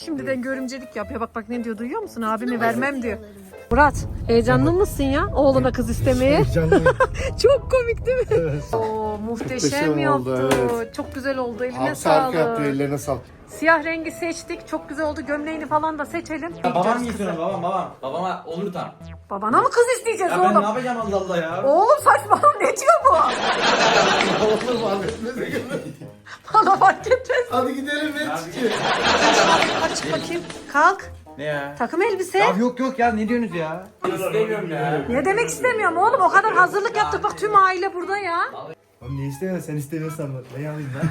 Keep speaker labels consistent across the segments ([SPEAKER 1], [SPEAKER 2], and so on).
[SPEAKER 1] Şimdiden görümcelik yapıyor. Bak bak ne diyor, duyuyor musun? Abimi vermem diyor. Murat, heyecanlı mısın ya oğluna kız istemeye?
[SPEAKER 2] Heyecanlıyım.
[SPEAKER 1] Çok komik değil mi?
[SPEAKER 2] Evet.
[SPEAKER 1] Oo, muhteşem
[SPEAKER 2] Muhteşem
[SPEAKER 1] yaptı.
[SPEAKER 2] oldu, evet.
[SPEAKER 1] Çok güzel oldu. Eline
[SPEAKER 2] Hamsi harika yaptı,
[SPEAKER 1] sağlık.
[SPEAKER 2] ellerine sağlık.
[SPEAKER 1] Siyah rengi seçtik. Çok güzel oldu. Gömleğini falan da seçelim.
[SPEAKER 3] Babam getiriyor babam. Babama olur tam.
[SPEAKER 1] Babana mı kız isteyeceğiz
[SPEAKER 3] Ya ben ne
[SPEAKER 1] oğlum?
[SPEAKER 3] yapacağım Allah Allah ya.
[SPEAKER 1] Oğlum saçmalama, ne diyor bu?
[SPEAKER 2] Oğlum affetmese göre.
[SPEAKER 1] Bana fark etmez.
[SPEAKER 2] Hadi gidelim ben çıkayım.
[SPEAKER 1] Hadi çık bakayım. Kalk.
[SPEAKER 3] Ne ya?
[SPEAKER 1] Takım elbise.
[SPEAKER 3] Ya yok ya ne diyorsunuz ya? İstemiyorum ya.
[SPEAKER 1] Ne demek istemiyorum oğlum? O kadar hazırlık yaptık. Bak tüm aile burada ya.
[SPEAKER 4] Oğlum ne istemiyorsun? Sen istemiyorsan ne alayım ben?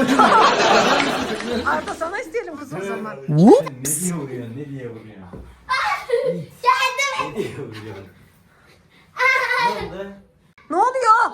[SPEAKER 1] Arda sana isteyelim kız o zaman.
[SPEAKER 3] Ne diye vuruyorsun? Ne diye vuruyorsun? Ne diye vuruyorsun? Ne oldu?
[SPEAKER 1] Ne oluyor?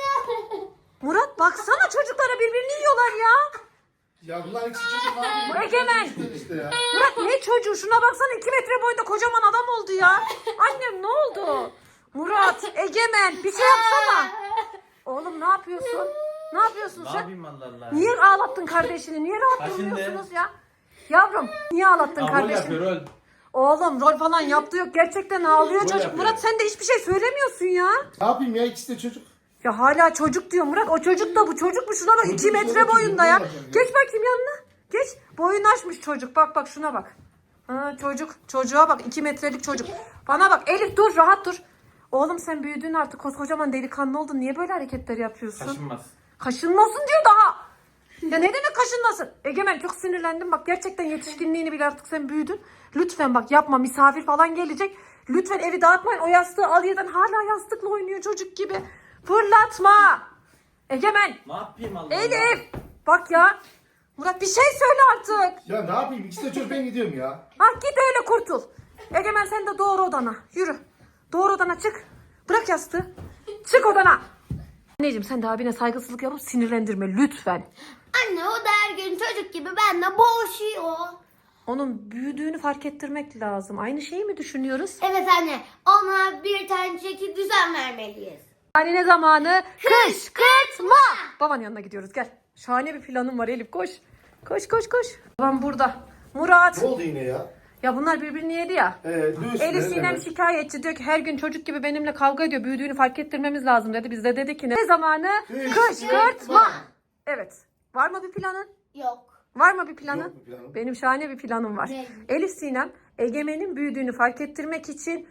[SPEAKER 1] Murat baksana, çocuklara birbirini yiyorlar ya.
[SPEAKER 2] Ya bunlar hiç çocuk var mı?
[SPEAKER 1] Egemen.
[SPEAKER 2] İşte ya.
[SPEAKER 1] Murat ne çocuğu? Şuna baksana, 2 metre boyunda kocaman adam oldu ya. Annem ne oldu? Murat, Egemen bir şey yapsana. Oğlum ne yapıyorsun? Ne yapıyorsun
[SPEAKER 3] Ne
[SPEAKER 1] sen?
[SPEAKER 3] yapayım Allah Allah?
[SPEAKER 1] Niye ağlattın kardeşini? Niye rahat
[SPEAKER 3] Kaşındı.
[SPEAKER 1] durmuyorsunuz ya? Yavrum niye ağlattın
[SPEAKER 3] Rol
[SPEAKER 1] kardeşini?
[SPEAKER 3] yapıyor rol.
[SPEAKER 1] Oğlum rol falan yaptı yok. Gerçekten ağlıyor çocuk.
[SPEAKER 3] yapıyor.
[SPEAKER 1] Murat sen de hiçbir şey söylemiyorsun ya.
[SPEAKER 2] Ne yapayım ya, ikisi de çocuk.
[SPEAKER 1] Ya hala çocuk diyor Murat. O çocuk da bu çocuk mu? Şuna bak, 2 metre boyunda ya. Geç bakayım yanına. Geç. Boyunu aşmış çocuk. Bak bak şuna bak. Ha, çocuk. Çocuğa bak, 2 metrelik çocuk. Bana bak Elif, dur rahat dur. Oğlum sen büyüdün artık, koskocaman delikanlı oldun. Niye böyle hareketler yapıyorsun?
[SPEAKER 3] Kaşınmaz.
[SPEAKER 1] Kaşınmasın diyor daha. Ya ne demek kaşınmasın? Egemen çok sinirlendim. Bak gerçekten yetişkinliğini bil, artık sen büyüdün. Lütfen bak yapma, misafir falan gelecek. Lütfen evi dağıtmayın. O yastığı al yerden, hala yastıkla oynuyor çocuk gibi. Fırlatma. Egemen.
[SPEAKER 3] Ne yapayım Allah Allah?
[SPEAKER 1] Elif. Bak ya. Murat bir şey söyle artık.
[SPEAKER 2] Ya ne yapayım, ikisi de çocuk, ben gidiyorum ya.
[SPEAKER 1] Ha git öyle kurtul. Egemen sen de doğru odana. Yürü. Doğru odana çık. Bırak yastığı. Çık odana. Anneciğim sen de abine saygısızlık yapıp sinirlendirme lütfen.
[SPEAKER 5] Anne o da her gün çocuk gibi benimle boğuşuyor.
[SPEAKER 1] Onun büyüdüğünü fark ettirmek lazım. Aynı şeyi mi düşünüyoruz?
[SPEAKER 5] Evet anne, ona bir tane çeki düzen vermeliyiz.
[SPEAKER 1] Yani ne zamanı? Kışkırtma. Babanın yanına gidiyoruz, gel. Şahane bir planım var Elif, koş. Koş koş koş. Babam burada. Murat.
[SPEAKER 2] Ne oldu yine ya?
[SPEAKER 1] Ya bunlar birbirini yedi ya.
[SPEAKER 2] Lüks.
[SPEAKER 1] Elif
[SPEAKER 2] ne
[SPEAKER 1] Sinem
[SPEAKER 2] demek?
[SPEAKER 1] şikayetçi, diyor ki her gün çocuk gibi benimle kavga ediyor. Büyüdüğünü fark ettirmemiz lazım dedi. Biz de dedik ki ne zamanı? Kışkırtma. Evet. Var mı bir planın?
[SPEAKER 5] Yok.
[SPEAKER 1] Var mı bir planın?
[SPEAKER 2] Yok bir planım.
[SPEAKER 1] Benim şahane bir planım var.
[SPEAKER 5] Ne?
[SPEAKER 1] Elif Sinem Egemen'in büyüdüğünü fark ettirmek için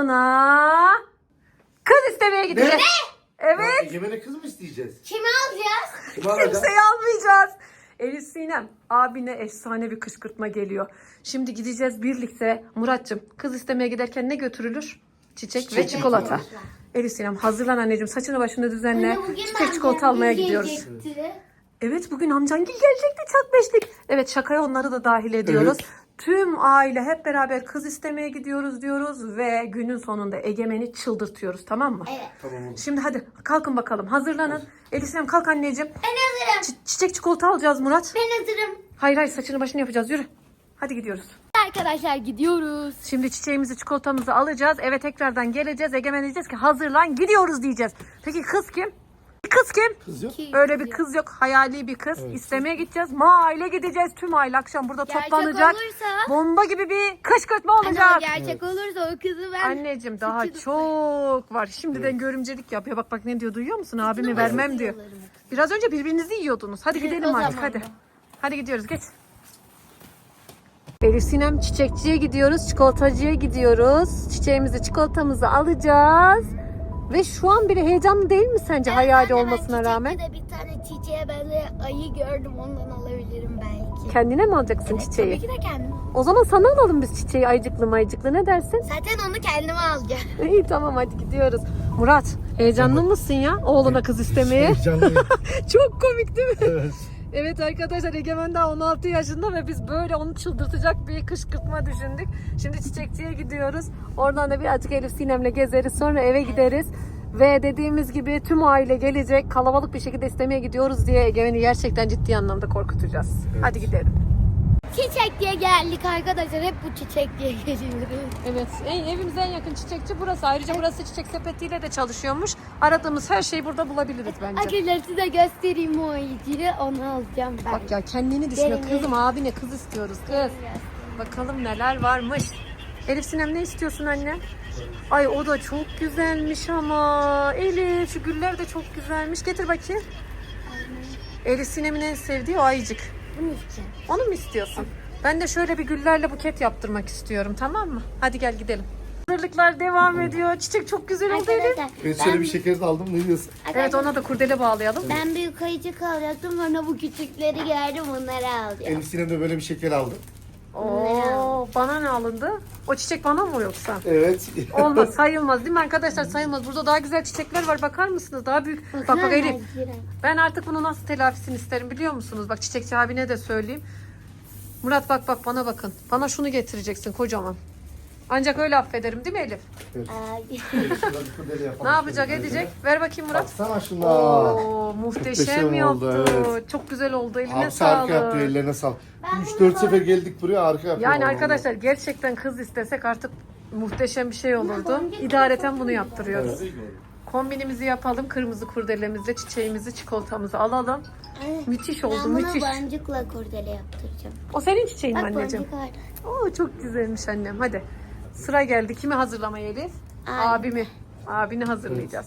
[SPEAKER 1] ona kız istemeye gidecek. Evet.
[SPEAKER 2] Egemen'e kız mı isteyeceğiz?
[SPEAKER 5] Kimi alacağız?
[SPEAKER 2] Kim alacak?
[SPEAKER 1] Kimseyi almayacağız. Elif Sinem abine efsane bir kışkırtma geliyor. Şimdi gideceğiz birlikte. Muratcığım kız istemeye giderken ne götürülür? Çiçek ve çikolata. Elif Sinem hazırlan anneciğim, saçını başını düzenle.
[SPEAKER 5] Anne, bugün
[SPEAKER 1] Çiçek çikolata almaya gidiyoruz.
[SPEAKER 5] gelecekti.
[SPEAKER 1] Evet bugün amcangil gelecekti, çak beşlik. Evet şakaya onları da dahil ediyoruz.
[SPEAKER 2] Evet.
[SPEAKER 1] Tüm aile hep beraber kız istemeye gidiyoruz diyoruz ve günün sonunda Egemen'i çıldırtıyoruz, tamam mı?
[SPEAKER 5] Evet.
[SPEAKER 2] Tamam oldu.
[SPEAKER 1] Şimdi hadi kalkın bakalım, hazırlanın. Elif Sinem kalk anneciğim.
[SPEAKER 5] Ben hazırım.
[SPEAKER 1] Çiçek çikolata alacağız Murat.
[SPEAKER 5] Ben hazırım.
[SPEAKER 1] Hayır saçını başını yapacağız, yürü. Hadi gidiyoruz.
[SPEAKER 5] Arkadaşlar gidiyoruz.
[SPEAKER 1] Şimdi çiçeğimizi çikolatamızı alacağız. Eve tekrardan geleceğiz. Egemen diyeceğiz ki hazırlan gidiyoruz diyeceğiz. Peki kız kim? Kız kim?
[SPEAKER 2] Kız yok.
[SPEAKER 1] Öyle bir kız yok. Hayali bir kız. İstemeye gideceğiz. Mahalle gideceğiz. Tüm aile akşam burada
[SPEAKER 5] Gerçek
[SPEAKER 1] toplanacak.
[SPEAKER 5] olursa-
[SPEAKER 1] Bomba gibi bir kışkırtma olacak.
[SPEAKER 5] Anne gerçek olursa o kızı ben...
[SPEAKER 1] Anneciğim daha çok var. Şimdiden görümcelik yapıyor. Bak bak ne diyor, duyuyor musun? Abimi vermem diyor. Biraz önce birbirinizi yiyordunuz. Hadi gidelim
[SPEAKER 5] O
[SPEAKER 1] artık
[SPEAKER 5] zaman
[SPEAKER 1] hadi. Hadi gidiyoruz, geç. Elif Sinem çiçekçiye gidiyoruz. Çikolatacıya gidiyoruz. Çiçeğimizi çikolatamızı alacağız. Ve şu an bile heyecanlı değil mi sence, hayali olmasına rağmen?
[SPEAKER 5] Ben bir tane çiçeğe böyle ayı gördüm, ondan alabilirim belki.
[SPEAKER 1] Kendine mi alacaksın çiçeği?
[SPEAKER 5] Tabii ki de kendim.
[SPEAKER 1] O zaman sana alalım biz çiçeği, ayıcıklı mayıcıklı, ne dersin?
[SPEAKER 5] Zaten onu kendime alacağım.
[SPEAKER 1] İyi tamam hadi gidiyoruz. Murat heyecanlı mısın ya oğluna kız istemeye?
[SPEAKER 2] Heyecanlıyım.
[SPEAKER 1] Çok komik değil mi?
[SPEAKER 2] Evet.
[SPEAKER 1] Evet arkadaşlar, Egemen daha 16 yaşında ve biz böyle onu çıldırtacak bir kışkırtma düşündük. Şimdi çiçekçiye gidiyoruz. Oradan da birazcık Elif Sinem'le gezeriz, sonra eve gideriz. Ve dediğimiz gibi tüm aile gelecek, kalabalık bir şekilde istemeye gidiyoruz diye Egemen'i gerçekten ciddi anlamda korkutacağız. Hadi gidelim.
[SPEAKER 5] Çiçek diye geldik arkadaşlar. Hep bu çiçek diye geliyoruz.
[SPEAKER 1] Evet, evimize en yakın çiçekçi burası. Ayrıca burası çiçek sepetiyle de çalışıyormuş. Aradığımız her şeyi burada bulabiliriz bence.
[SPEAKER 5] Arkadaşlar size göstereyim o ayıcıyı. Onu alacağım ben.
[SPEAKER 1] Bak ya kendini düşünüyor.
[SPEAKER 5] Gelin,
[SPEAKER 1] Kızım abine kız istiyoruz kız. Bakalım neler varmış. Elif Sinem ne istiyorsun anne? Ay o da çok güzelmiş ama. Elif şu güller de çok güzelmiş. Getir bakayım. Elif Sinem'in en sevdiği o ayıcık.
[SPEAKER 5] Bunu isteyeceğim.
[SPEAKER 1] Onu mu istiyorsun? Ben de şöyle bir güllerle buket yaptırmak istiyorum, tamam mı? Hadi gel gidelim. Hazırlıklar devam ediyor. Çiçek çok güzel oldu Elif.
[SPEAKER 5] Arkadaşlar
[SPEAKER 2] Evet şöyle bir şeker de aldım, ne diyorsun?
[SPEAKER 1] Evet, ona da kurdele bağlayalım.
[SPEAKER 5] ben büyük ayıcık alacaktım, sonra bu küçükleri gördüm, bunları alacağım.
[SPEAKER 2] Elif Sinem de böyle bir şeker aldı.
[SPEAKER 1] Oo, bana ne alındı? O çiçek bana mı yoksa?
[SPEAKER 2] Evet.
[SPEAKER 1] Olmaz, sayılmaz değil mi arkadaşlar? Sayılmaz. Burada daha güzel çiçekler var. Bakar mısınız? Daha büyük. Bak bak Elif. Ben artık bunu nasıl telafisini isterim biliyor musunuz? Bak çiçekçi abine de söyleyeyim. Murat bak bak bana bakın. Bana şunu getireceksin kocaman. Ancak öyle affederim değil mi Elif?
[SPEAKER 2] Elif şurada bir kurdele yapalım.
[SPEAKER 1] Ne yapacak
[SPEAKER 2] Şöyle
[SPEAKER 1] edecek? Ver bakayım Murat.
[SPEAKER 2] Baksana şuna.
[SPEAKER 1] Oo, muhteşem
[SPEAKER 2] Muhteşem oldu,
[SPEAKER 1] yaptı.
[SPEAKER 2] evet.
[SPEAKER 1] Çok güzel oldu. Eline
[SPEAKER 2] Abi harika
[SPEAKER 1] sağlık.
[SPEAKER 2] yaptı, ellerine sağlık. 3-4 sefer geldik buraya, harika yapıyor.
[SPEAKER 1] Yani
[SPEAKER 2] vallahi.
[SPEAKER 1] arkadaşlar gerçekten kız istesek artık muhteşem bir şey olurdu. İdareten bunu yaptırıyoruz. Kombinimizi yapalım. Kırmızı kurdelemizle çiçeğimizi, çikolatamızı alalım. Müthiş oldu,
[SPEAKER 5] Ben bunu
[SPEAKER 1] müthiş.
[SPEAKER 5] boncukla kurdele yaptıracağım.
[SPEAKER 1] O senin çiçeğin mi
[SPEAKER 5] Bak
[SPEAKER 1] anneciğim?
[SPEAKER 5] boncuk orada.
[SPEAKER 1] Oo çok güzelmiş annem. Hadi. Sıra geldi. Kimi hazırlamaya Elif? Abimi. Abini hazırlayacağız.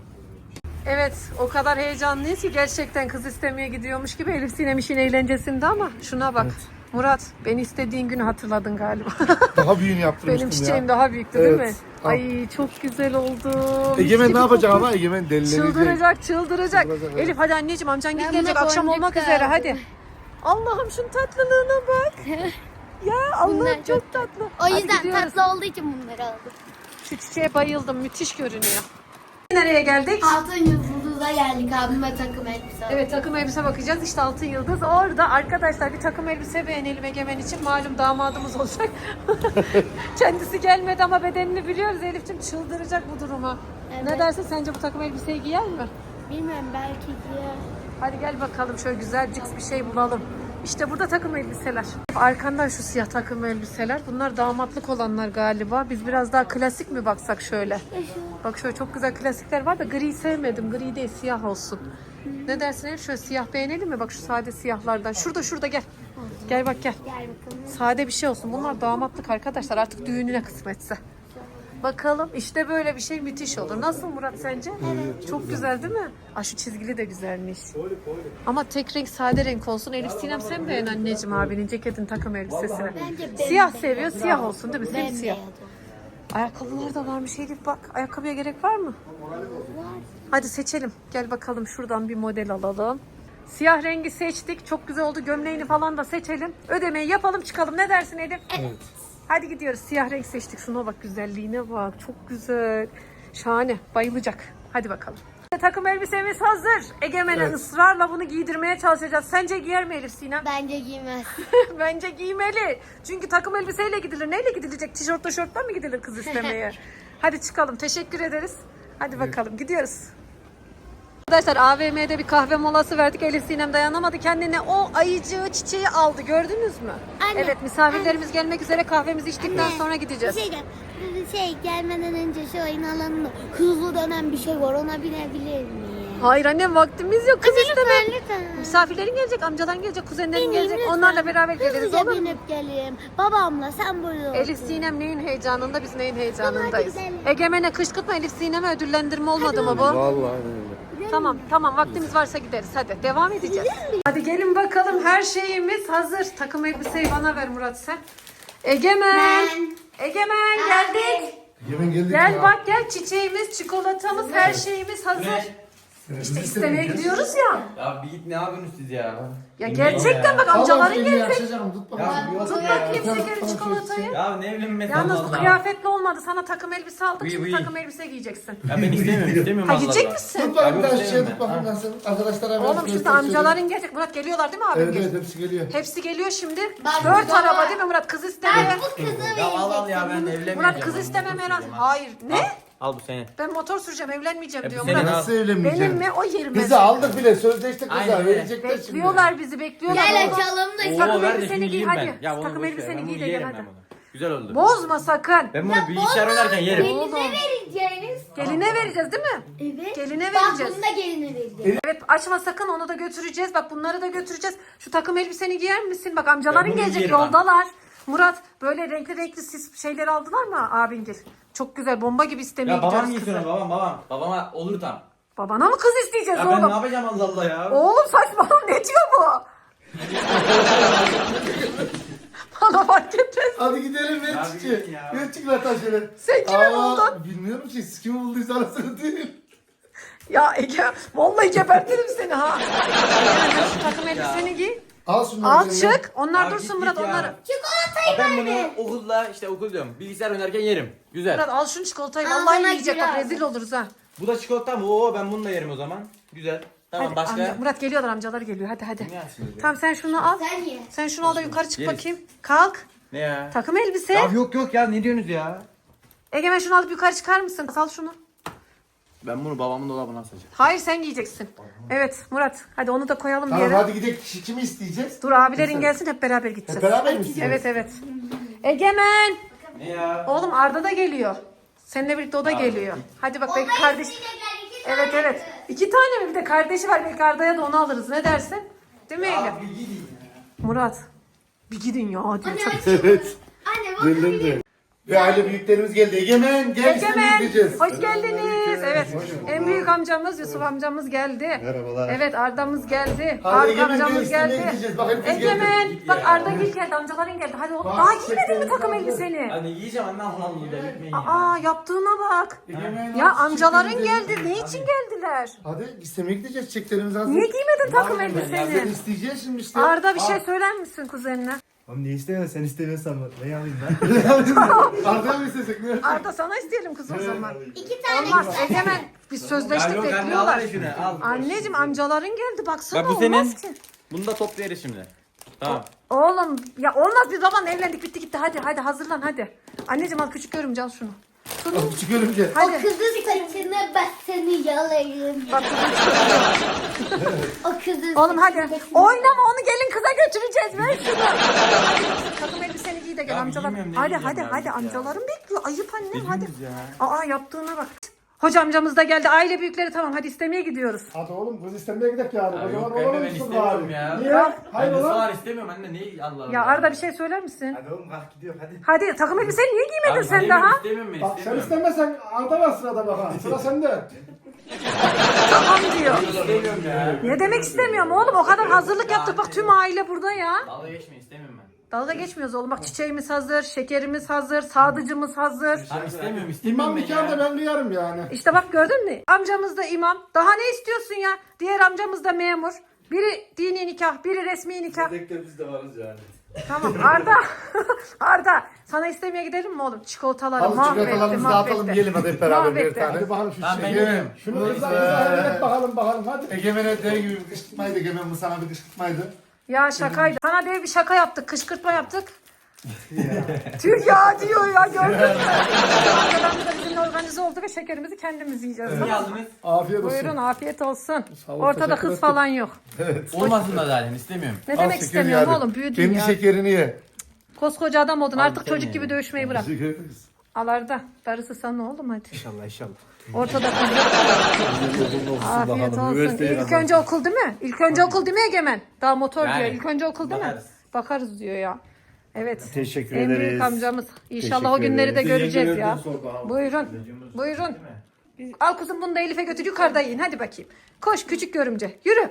[SPEAKER 1] Evet, o kadar heyecanlıyız ki gerçekten kız istemeye gidiyormuş gibi. Elif Sinem işin eğlencesinde ama şuna bak. Murat, beni istediğin günü hatırladın galiba.
[SPEAKER 2] Daha büyüğünü yaptırmıştım
[SPEAKER 1] Benim
[SPEAKER 2] ya.
[SPEAKER 1] çiçeğim daha büyüktü değil mi?
[SPEAKER 2] Evet. Al.
[SPEAKER 1] Ay çok güzel oldu.
[SPEAKER 2] Egemen ne yapacak ama? Egemen delilenecek.
[SPEAKER 1] Çıldıracak.
[SPEAKER 2] Çıldıracak, evet.
[SPEAKER 1] Elif hadi anneciğim, amcan
[SPEAKER 5] Ben
[SPEAKER 1] gelecek,
[SPEAKER 5] buna
[SPEAKER 1] akşam
[SPEAKER 5] boncuk
[SPEAKER 1] olmak
[SPEAKER 5] da
[SPEAKER 1] üzere
[SPEAKER 5] aldım.
[SPEAKER 1] hadi. Allah'ım şunun tatlılığına bak. Ya Allah'ım
[SPEAKER 5] Bunlar
[SPEAKER 1] çok
[SPEAKER 5] çok
[SPEAKER 1] tatlı.
[SPEAKER 5] O
[SPEAKER 1] Hadi
[SPEAKER 5] yüzden
[SPEAKER 1] gidiyoruz.
[SPEAKER 5] tatlı olduğu için bunları aldım.
[SPEAKER 1] Şu çiçeğe bayıldım, müthiş görünüyor. Nereye geldik?
[SPEAKER 5] Altın yıldız'a geldik, abime takım elbise.
[SPEAKER 1] Evet, takım elbise bakacağız. İşte Altın Yıldız. Orada arkadaşlar bir takım elbise beğenelim Egemen için. Malum damadımız olacak. Kendisi gelmedi ama bedenini biliyoruz. Elif'ciğim çıldıracak bu duruma.
[SPEAKER 5] Evet.
[SPEAKER 1] Ne dersin, sence bu takım elbiseyi giyer mi?
[SPEAKER 5] Bilmiyorum, belki diyor.
[SPEAKER 1] Hadi gel bakalım şöyle güzel cix bir şey bulalım. İşte burada takım elbiseler. Arkandan şu siyah takım elbiseler. Bunlar damatlık olanlar galiba. Biz biraz daha klasik mi baksak şöyle? Bak şöyle çok güzel klasikler var da gri sevmedim. Gri değil, siyah olsun. Ne dersin Elif? Şöyle siyah beğenelim mi? Bak şu sade siyahlardan. Şurada gel. Gel bak gel.
[SPEAKER 5] Gel bakalım.
[SPEAKER 1] Sade bir şey olsun. Bunlar damatlık arkadaşlar. Artık düğününe kısmetse. Bakalım işte böyle bir şey müthiş olur. Nasıl Murat sence? Evet. Çok güzel değil mi? Aa, şu çizgili de güzelmiş. Ama tek renk, sade renk olsun. Elif Sinem sen beğen anneciğim abinin ceketin takım elbisesini.
[SPEAKER 5] Bence
[SPEAKER 1] Siyah seviyor. Siyah olsun değil mi? Simsiyah.
[SPEAKER 5] bembeyaz.
[SPEAKER 1] Ayakkabılar da varmış Elif bak. Ayakkabıya gerek var mı? Hadi seçelim. Gel bakalım şuradan bir model alalım. Siyah rengi seçtik. Çok güzel oldu. Gömleğini falan da seçelim. Ödemeyi yapalım çıkalım. Ne dersin Elif?
[SPEAKER 2] Evet.
[SPEAKER 1] Hadi gidiyoruz. Siyah renk seçtik. Şuna bak, güzelliğine bak. Çok güzel. Şahane. Bayılacak. Hadi bakalım. Takım elbisemiz hazır. Egemen'e
[SPEAKER 2] Evet.
[SPEAKER 1] ısrarla bunu giydirmeye çalışacağız. Sence giyer mi Elif Sinem?
[SPEAKER 5] Bence giymez.
[SPEAKER 1] Bence giymeli. Çünkü takım elbiseyle gidilir. Neyle gidilecek? Tişörtle mi gidilir kız istemeye? Hadi çıkalım. Teşekkür ederiz. Hadi bakalım. Gidiyoruz. Arkadaşlar AVM'de bir kahve molası verdik. Elif Sinem dayanamadı. Kendine o ayıcığı çiçeği aldı. Gördünüz mü?
[SPEAKER 5] Anne,
[SPEAKER 1] Evet, misafirlerimiz gelmek üzere, kahvemizi içtikten sonra gideceğiz.
[SPEAKER 5] Gelmeden önce şu oyun alanında hızlı dönen bir şey var, ona binebilir miyim?
[SPEAKER 1] Hayır annem, vaktimiz yok. Kız isteme.
[SPEAKER 5] Lütfen.
[SPEAKER 1] Misafirlerin gelecek, amcaların gelecek, kuzenlerin
[SPEAKER 5] Benim
[SPEAKER 1] gelecek.
[SPEAKER 5] lütfen.
[SPEAKER 1] Onlarla beraber geliriz,
[SPEAKER 5] Hızlıca
[SPEAKER 1] olur mu?
[SPEAKER 5] binip geleyim. Babamla sen burada ol.
[SPEAKER 1] Elif Sinem neyin heyecanında, biz neyin heyecanındayız.
[SPEAKER 5] Hadi gidelim.
[SPEAKER 1] Egemen'e kışkırtma, Elif Sinem'e ödüllendirme olmadı mı bu?
[SPEAKER 2] Vallahi öyle.
[SPEAKER 1] Tamam, vaktimiz varsa gideriz. Hadi devam edeceğiz. Hadi gelin bakalım, her şeyimiz hazır. Takım elbiseyi bana ver Murat sen. Egemen. Egemen geldik.
[SPEAKER 2] Yemin geldik
[SPEAKER 1] Gel
[SPEAKER 2] ya.
[SPEAKER 1] bak gel, çiçeğimiz, çikolatamız, her şeyimiz hazır. İşte istemeye gidiyoruz ya.
[SPEAKER 3] Ya bir git, ne yapıyorsunuz siz ya?
[SPEAKER 1] Ya gerçekten bak, amcaların gelecek.
[SPEAKER 2] Yaşayacağım, tut bakalım.
[SPEAKER 3] Ya bir
[SPEAKER 1] Tut
[SPEAKER 3] olsun
[SPEAKER 1] bakayım
[SPEAKER 3] ya.
[SPEAKER 1] şekeri, çikolatayı.
[SPEAKER 3] Ya ne evlenmesi
[SPEAKER 1] Yalnız
[SPEAKER 3] Allah
[SPEAKER 1] bu
[SPEAKER 3] Allah.
[SPEAKER 1] kıyafetli olmadı. Sana takım elbise aldık.
[SPEAKER 3] Buyur,
[SPEAKER 1] Şimdi
[SPEAKER 3] buyur.
[SPEAKER 1] takım elbise giyeceksin.
[SPEAKER 3] Ya ben istemiyorum
[SPEAKER 1] Ha,
[SPEAKER 3] Allah
[SPEAKER 1] gidecek
[SPEAKER 3] Allah.
[SPEAKER 1] misin?
[SPEAKER 2] Tut bakayım bir
[SPEAKER 3] Ya
[SPEAKER 2] tane
[SPEAKER 3] yok,
[SPEAKER 2] şişeye, tut
[SPEAKER 3] sevmem.
[SPEAKER 2] bakayım
[SPEAKER 3] Ha.
[SPEAKER 2] nasıl. Arkadaşlara
[SPEAKER 1] Oğlum şimdi
[SPEAKER 2] göstereyim.
[SPEAKER 1] amcaların gelecek. Murat geliyorlar değil mi abim?
[SPEAKER 2] Evet evet, hepsi geliyor.
[SPEAKER 1] Hepsi geliyor şimdi.
[SPEAKER 5] Bak,
[SPEAKER 1] 4
[SPEAKER 5] burada
[SPEAKER 1] araba
[SPEAKER 5] var.
[SPEAKER 1] değil mi Murat? Kız istemeye.
[SPEAKER 5] Bu kızı
[SPEAKER 3] Ya al ya, ben
[SPEAKER 5] vereceksin.
[SPEAKER 3] evlenmeyeceğim.
[SPEAKER 1] Murat kız
[SPEAKER 3] Ben
[SPEAKER 1] isteme
[SPEAKER 3] motor
[SPEAKER 1] merak.
[SPEAKER 3] süreceğim ha.
[SPEAKER 1] Hayır. Ne?
[SPEAKER 3] Al bu senin.
[SPEAKER 1] Ben motor süreceğim, evlenmeyeceğim
[SPEAKER 3] Ya
[SPEAKER 1] diyor
[SPEAKER 3] bu senin
[SPEAKER 1] Murat.
[SPEAKER 3] al.
[SPEAKER 2] Nasıl evlenmeyeceğim?
[SPEAKER 1] Benim mi? O yerime.
[SPEAKER 2] Kızı aldık bile, sözleştik kızla.
[SPEAKER 3] Aynen öyle.
[SPEAKER 2] Verecekler şimdi.
[SPEAKER 1] Bekliyorlar bizi, bekliyorlar.
[SPEAKER 5] Gel
[SPEAKER 1] Oğlum.
[SPEAKER 5] açalım da.
[SPEAKER 3] Oo,
[SPEAKER 1] takım
[SPEAKER 3] ver de
[SPEAKER 1] elbiseni
[SPEAKER 3] şimdi
[SPEAKER 1] giy,
[SPEAKER 3] giyeyim
[SPEAKER 1] hadi.
[SPEAKER 3] ben. Ya onu
[SPEAKER 1] Takım
[SPEAKER 3] boş ver,
[SPEAKER 1] elbiseni
[SPEAKER 3] ben
[SPEAKER 1] giy
[SPEAKER 3] bunu
[SPEAKER 1] de gel
[SPEAKER 3] yerim
[SPEAKER 1] hadi.
[SPEAKER 3] ben bunu. Güzel oldu.
[SPEAKER 1] Bozma sakın.
[SPEAKER 3] Ben bunu bilgisayar oynarken yerim.
[SPEAKER 1] Oğlum.
[SPEAKER 5] vereceğiniz.
[SPEAKER 1] Geline vereceğiz değil mi?
[SPEAKER 5] Evet.
[SPEAKER 1] Geline
[SPEAKER 5] Bak
[SPEAKER 1] vereceğiz.
[SPEAKER 5] bunu da geline vereceğiz.
[SPEAKER 1] Evet, açma sakın, onu da götüreceğiz. Bak bunları da götüreceğiz. Şu takım elbiseni giyer misin? Bak amcaların
[SPEAKER 3] Ben bunu
[SPEAKER 1] gelecek,
[SPEAKER 3] giyerim ha.
[SPEAKER 1] yoldalar. Murat böyle renkli renkli sis şeyleri aldılar mı abingil? Çok güzel bomba gibi istemeye
[SPEAKER 3] Ya babam
[SPEAKER 1] gidiyoruz
[SPEAKER 3] niye
[SPEAKER 1] kızı.
[SPEAKER 3] sonra babam. Babama olur tam.
[SPEAKER 1] Babana mı kız isteyeceğiz
[SPEAKER 3] Ya ben ne
[SPEAKER 1] oğlum?
[SPEAKER 3] yapacağım Allah Allah ya.
[SPEAKER 1] Oğlum saçmalama ne diyor bu? Bana fark etmez.
[SPEAKER 2] Hadi gidelim ver
[SPEAKER 3] Ya
[SPEAKER 2] çiçeği.
[SPEAKER 3] bir gidin ya.
[SPEAKER 2] Ver çikolata şöyle.
[SPEAKER 1] Sen kimi buldun?
[SPEAKER 2] Bilmiyorum ki siz kimi bulduysa arasını değil.
[SPEAKER 1] Ya Ege vallahi gebertirim seni ha. Ege şu takım elbiseni giy.
[SPEAKER 2] Al şunları.
[SPEAKER 1] Al
[SPEAKER 2] eline.
[SPEAKER 1] çık. Onlar
[SPEAKER 3] Ya
[SPEAKER 1] dursun
[SPEAKER 3] git
[SPEAKER 1] Murat
[SPEAKER 3] ya.
[SPEAKER 1] onları.
[SPEAKER 3] Ya ben bunu okulda işte okul diyorum. Bilgisayar oynarken yerim. Güzel.
[SPEAKER 1] Murat al şunu çikolatayı.
[SPEAKER 5] Al
[SPEAKER 1] Vallahi
[SPEAKER 5] bana
[SPEAKER 1] yiyecek bak
[SPEAKER 5] biraz.
[SPEAKER 1] rezil oluruz ha.
[SPEAKER 3] Bu da çikolata mı? Oo ben bunu da yerim o zaman. Güzel. Tamam
[SPEAKER 1] Hadi,
[SPEAKER 3] başka.
[SPEAKER 1] Murat geliyorlar amcalar geliyor hadi hadi.
[SPEAKER 3] Ne yapsın?
[SPEAKER 1] Tamam sen şunu al.
[SPEAKER 5] Sen ye.
[SPEAKER 1] Sen şunu al da yukarı çık
[SPEAKER 3] Yeriz.
[SPEAKER 1] bakayım. Kalk.
[SPEAKER 3] Ne ya?
[SPEAKER 1] Takım elbise.
[SPEAKER 3] Ya yok ya ne diyorsunuz ya?
[SPEAKER 1] Egemen şunu alıp yukarı çıkar mısın? Al şunu.
[SPEAKER 3] Ben bunu babamın dolabına asacağım.
[SPEAKER 1] Hayır sen giyeceksin. Evet Murat hadi onu da koyalım bir
[SPEAKER 2] Tamam
[SPEAKER 1] yere.
[SPEAKER 2] hadi gidelim. Kimi isteyeceğiz?
[SPEAKER 1] Dur abilerin gelsin hep beraber gideceğiz.
[SPEAKER 2] Hep beraber mi isteyeceğiz?
[SPEAKER 1] Evet evet. Egemen.
[SPEAKER 3] Ne ya?
[SPEAKER 1] Oğlum Arda da geliyor. Seninle birlikte o da geliyor. Hadi bak belki kardeş. Evet evet. 2 tane mi bir de kardeşi var. Belki Arda'ya da onu alırız. Ne dersin? Değil mi Ege? Murat. Bir gidin ya hadi. Çok...
[SPEAKER 2] Evet.
[SPEAKER 5] Anne bak.
[SPEAKER 2] Geldim de. Ve aile büyüklerimiz geldi. Egemen gel istemeye
[SPEAKER 1] Egemen.
[SPEAKER 2] gideceğiz.
[SPEAKER 1] Hoş geldiniz. Evet. En büyük amcamız Yusuf amcamız geldi.
[SPEAKER 4] Merhabalar.
[SPEAKER 1] Evet Arda'mız geldi.
[SPEAKER 2] Hadi
[SPEAKER 1] Faruk
[SPEAKER 2] Egemen, gel
[SPEAKER 1] amcamız
[SPEAKER 2] istemeye
[SPEAKER 1] geldi.
[SPEAKER 2] gideceğiz. Bak hepimiz
[SPEAKER 1] Egemen.
[SPEAKER 2] geldik.
[SPEAKER 1] Bak Arda Gül geldi. Amcaların geldi. Hadi oğlum.
[SPEAKER 2] Bak,
[SPEAKER 1] Daha giymedin mi
[SPEAKER 2] çiçeklerimiz
[SPEAKER 1] takım
[SPEAKER 2] aldı.
[SPEAKER 1] elbiseni?
[SPEAKER 3] Hadi yiyeceğim anne Allah gitmeyin ya.
[SPEAKER 1] Aa yaptığına bak.
[SPEAKER 2] Egemen,
[SPEAKER 1] Ya
[SPEAKER 2] hadi
[SPEAKER 1] amcaların
[SPEAKER 2] çiçeklerimizi-
[SPEAKER 1] geldi. Ne için geldiler?
[SPEAKER 2] Hadi istemeye gideceğiz. Çiçeklerimizi hazır.
[SPEAKER 1] Niye giymedin takım
[SPEAKER 3] Vallahi ben ya,
[SPEAKER 2] Seni
[SPEAKER 1] elbiseni?
[SPEAKER 2] isteyeceğiz şimdi işte.
[SPEAKER 1] Arda bir şey söyler misin kuzenine?
[SPEAKER 4] Oğlum ne istemiyorsun sen istemiyorsan ben alayım ben.
[SPEAKER 2] Arda'ya mı istesek? Ne?
[SPEAKER 1] Arda sana isteyelim kız o zaman.
[SPEAKER 5] 2 tane
[SPEAKER 1] Olmaz
[SPEAKER 5] güzel.
[SPEAKER 1] Egemen. Biz
[SPEAKER 3] Ya
[SPEAKER 1] sözleştik
[SPEAKER 3] yok anne al
[SPEAKER 1] bekliyorlar.
[SPEAKER 3] hadi şunu al.
[SPEAKER 1] Anneciğim amcaların geldi baksana
[SPEAKER 3] Bak bu
[SPEAKER 1] olmaz
[SPEAKER 3] senin.
[SPEAKER 1] ki.
[SPEAKER 3] Bunu da toplayarız şimdi. Tamam.
[SPEAKER 1] Oğlum ya olmaz biz babanla evlendik bitti gitti hadi hazırlan hadi. Anneciğim al küçük görümce al şunu. Şunu.
[SPEAKER 2] Al çıkıyorum gel.
[SPEAKER 1] Hadi.
[SPEAKER 5] O kızın saçını ben seni yalarım.
[SPEAKER 1] Bak
[SPEAKER 5] O kızın
[SPEAKER 1] oğlum hadi.
[SPEAKER 5] saçını-
[SPEAKER 1] Oynama onu gelin kıza götüreceğiz ver şunu. Hadi takım elbiseni giy de gel
[SPEAKER 3] Ya
[SPEAKER 1] amcalar.
[SPEAKER 3] giymiyorum, ne
[SPEAKER 1] Hadi
[SPEAKER 3] giyeceğim ya,
[SPEAKER 1] hadi
[SPEAKER 3] git ya.
[SPEAKER 1] amcalarım bekliyor. Ayıp annem hadi.
[SPEAKER 3] diyorsunuz ya?
[SPEAKER 1] Aa yaptığına bak. Hoca amcamız da geldi. Aile büyükleri tamam hadi istemeye gidiyoruz.
[SPEAKER 2] Hadi oğlum kız istemeye gidelim yani.
[SPEAKER 3] Ya
[SPEAKER 2] O zaman
[SPEAKER 3] yok anne
[SPEAKER 2] olalım
[SPEAKER 3] ben
[SPEAKER 2] Yusuf
[SPEAKER 3] istemiyorum
[SPEAKER 2] abi.
[SPEAKER 3] ya.
[SPEAKER 2] Niye?
[SPEAKER 1] Bak.
[SPEAKER 2] Hayır
[SPEAKER 3] Ben de
[SPEAKER 2] oğlum.
[SPEAKER 3] soğan istemiyorum anne ne Allah Allah.
[SPEAKER 1] Ya Arda bir şey söyler misin?
[SPEAKER 4] Hadi oğlum kalk gidiyor hadi.
[SPEAKER 1] Hadi takım elbiseni niye giymedin
[SPEAKER 3] Abi,
[SPEAKER 1] sen
[SPEAKER 3] istemiyorum,
[SPEAKER 1] daha?
[SPEAKER 3] İstemiyorum ben
[SPEAKER 2] Bak sen
[SPEAKER 3] istemiyorum.
[SPEAKER 2] istemezsen Arda var sırada bakalım. Sıra sende.
[SPEAKER 1] Tamam diyor.
[SPEAKER 3] İstemiyorum ya.
[SPEAKER 1] Ne demek istemiyorum oğlum o kadar hazırlık yaptık bak tüm aile burada ya.
[SPEAKER 3] Dalga geçme istemiyorum ben.
[SPEAKER 1] Dalga geçmiyoruz oğlum bak çiçeğimiz hazır, şekerimiz hazır, sadıcımız hazır.
[SPEAKER 3] Abi istemiyorum
[SPEAKER 2] İmam
[SPEAKER 3] istemiyorum ben
[SPEAKER 2] nikahında
[SPEAKER 3] ya.
[SPEAKER 2] ben duyarım yani.
[SPEAKER 1] İşte bak gördün mü? Amcamız da imam. Daha ne istiyorsun ya? Diğer amcamız da memur. Biri dini nikah, biri resmi nikah.
[SPEAKER 4] Biz de varız yani.
[SPEAKER 1] Tamam Arda. Arda sana istemeye gidelim mi oğlum? Çikolataları
[SPEAKER 2] Al
[SPEAKER 1] mahvetti,
[SPEAKER 2] çikolatalarımızı dağıtalım
[SPEAKER 1] mahvetti.
[SPEAKER 2] yiyelim hadi hep beraber bir
[SPEAKER 1] Mahvetti.
[SPEAKER 2] tane. Hadi bakalım şu
[SPEAKER 3] Tamam, ben
[SPEAKER 2] şekeri.
[SPEAKER 3] yiyorum.
[SPEAKER 2] Şunu izah bakalım hadi. Egemen'e dev gibi bir kışkırtmaydı. Egemen bu sana bir kışkırtmaydı.
[SPEAKER 1] Ya şakaydı. Sana dev bir şaka yaptık, kışkırtma yaptık. Tüh ya diyor ya gördün mü? Amcalarımız da bizimle organize oldu ve şekerimizi kendimiz yiyeceğiz.
[SPEAKER 3] Ne
[SPEAKER 1] Tamam mı?
[SPEAKER 3] aldınız?
[SPEAKER 2] Afiyet olsun.
[SPEAKER 1] Buyurun afiyet olsun.
[SPEAKER 2] Sağ ol,
[SPEAKER 1] Ortada
[SPEAKER 2] teşekkür
[SPEAKER 1] kız
[SPEAKER 2] ederim.
[SPEAKER 1] falan yok.
[SPEAKER 3] Olmasın da zaten istemiyorum.
[SPEAKER 1] Ne
[SPEAKER 2] Al
[SPEAKER 1] demek
[SPEAKER 2] şekeri
[SPEAKER 1] istemiyorum
[SPEAKER 2] hadi.
[SPEAKER 1] oğlum büyüdün
[SPEAKER 2] Kendi
[SPEAKER 1] ya.
[SPEAKER 2] şekerini ye.
[SPEAKER 1] Koskoca adam oldun artık
[SPEAKER 3] sen
[SPEAKER 1] çocuk
[SPEAKER 3] ye.
[SPEAKER 1] gibi dövüşmeyi bırak.
[SPEAKER 2] Teşekkür ederiz.
[SPEAKER 1] Al Arda darısı sana oğlum hadi.
[SPEAKER 4] İnşallah inşallah.
[SPEAKER 1] Ortada kız yok. Afiyet olsun. İlk önce okul değil mi? İlk önce okul değil mi Egemen? Daha motor
[SPEAKER 3] Yani,
[SPEAKER 1] diyor. İlk önce okul değil mi?
[SPEAKER 3] bakarız.
[SPEAKER 1] Bakarız diyor ya. Evet.
[SPEAKER 4] Teşekkür
[SPEAKER 1] En büyük
[SPEAKER 4] ederiz.
[SPEAKER 1] amcamız. İnşallah o
[SPEAKER 4] Teşekkür
[SPEAKER 1] günleri de
[SPEAKER 4] ederiz.
[SPEAKER 1] göreceğiz ya. Buyurun. Buyurun. Al kuzum bunu da Elif'e götür yukarıda yiyin. Hadi bakayım. Koş küçük görümce. Yürü.